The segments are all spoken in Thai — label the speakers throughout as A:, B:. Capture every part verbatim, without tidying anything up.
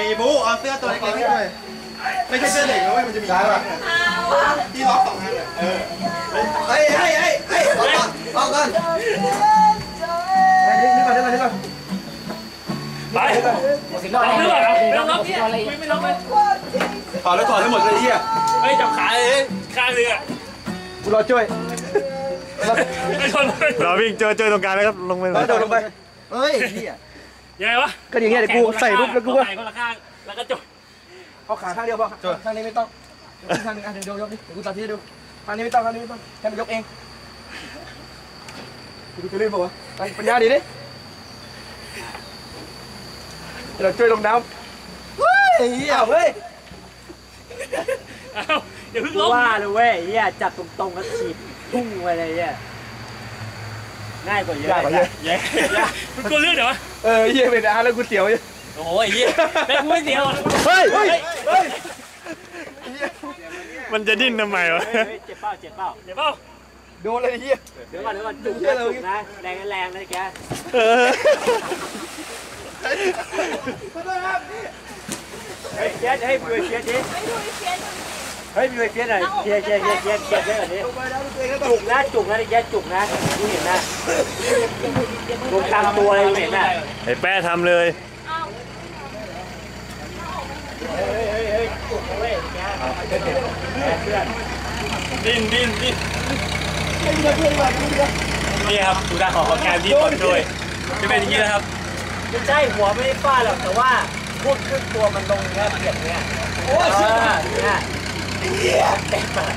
A: บูเอาเสื้อตัวเล็กๆให้ด้วยไม่ใช่เสื้อเด็กนะเว้ยมันจะมีที่ล็อกสองอันเออเฮ้ยเฮ้ยเฮ้ยเฮ้ยออกก่อนออกก่อนไปนึกนึกก่อนนึกก่อนนึกก่อน
B: ไปนึกก่อนไม่ต้องล็อกเนี่ยไม่ล็อกเลย
A: ถอดแล้วถอดทั้งหมดเลยเฮีย
B: เฮ้ยจับขาเลยข้างนึงอ่ะ
A: กูรอช่วย
C: เราวิ่งเจอเจอตรงกลางแล้วครับลงไป
A: โดดลงไปเฮ้ยเฮีย
B: ยังไงวะ
A: ก็อย่างเงี้ยเดี๋ยวกูใส่ปุ๊บแล้วกูก็
B: ใส่คนละข้างแล้วก็จบ
A: เอาขาข้างเดียวพอข้างนี้ไม่ต้องข้างนึงอ่ะเดี๋ยวยกดิเดี๋ยวกูตัดที่ดูข้างนี้ไม่ต้องข้างนี้ไม่ต้องแค่ไปยกเองกูจะลื่นป่าวะไปปัญญาดีดิเราช่วยลงน้ำเฮ้ยเฮียเฮ้ย
B: เอาเดี๋ยวพึ่งลง
D: ว่าเลยเว้ยเฮียจับตรงๆแล้วฉีดพุ่งไปเลยเฮียง่ายกว่าเยอะ
A: ง่ายกว่าเยอะ
B: เยอะมันกูเลื่อนเหรอ
A: เออเฮียเป็นอาแล้วกูเสียวอยู่
B: โอ้ยเฮียแม่กูไม่เสียว
A: เฮ้ยเฮ้ยเฮ้ย
C: มันจะดิ้นทำไมวะ
D: เจ็บเป้าเจ็บเป้า
B: เจ็บเป้า
A: โดนเลยเฮีย
D: เดี๋ยวก่อนเดี๋ยวก่อนจุกจุกนะแรงแรงนะแกเฮ้ยเชียร์ให้พี่เชียร์ดิเฮ้ยพี่เชียร์หน่อยเชียร์เชียร์เชียร์เชียร์เชียร์เชียร์หน่อยดิจุกนะจุกนะแกจุกนะดูเห็นนะดูตามตัวเลยเห็นนะ
C: ไอ้แป้ทำเลย
D: เฮ้ยเฮ้ยเฮ้ยจุกเว้ยแกเพื่อน
B: ดิ้นดิ้นดิ้นนี่ครับดูด้านของการดิ้นก่อนด้วยจะเป็นอย่างนี้นะครับ
D: ไม่ใช่หัวไม่ได้ฟาดหรอกแต่ว่าพวกขึ้นตัวมันลงเนี้ยเปียกเนี้ยโอ้ยเนี่ยเต็มมา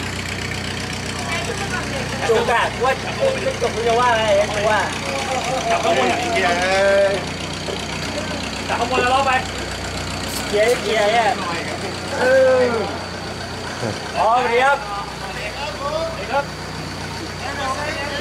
D: จุกอะว่าไม่จุกคุณจะว่าอะไรกูว่า
B: จับข้างบนจับข้างบนแล้วล้อไป
D: เกียร์เกียร์เนี่ยเอออ๋อเรียบครับ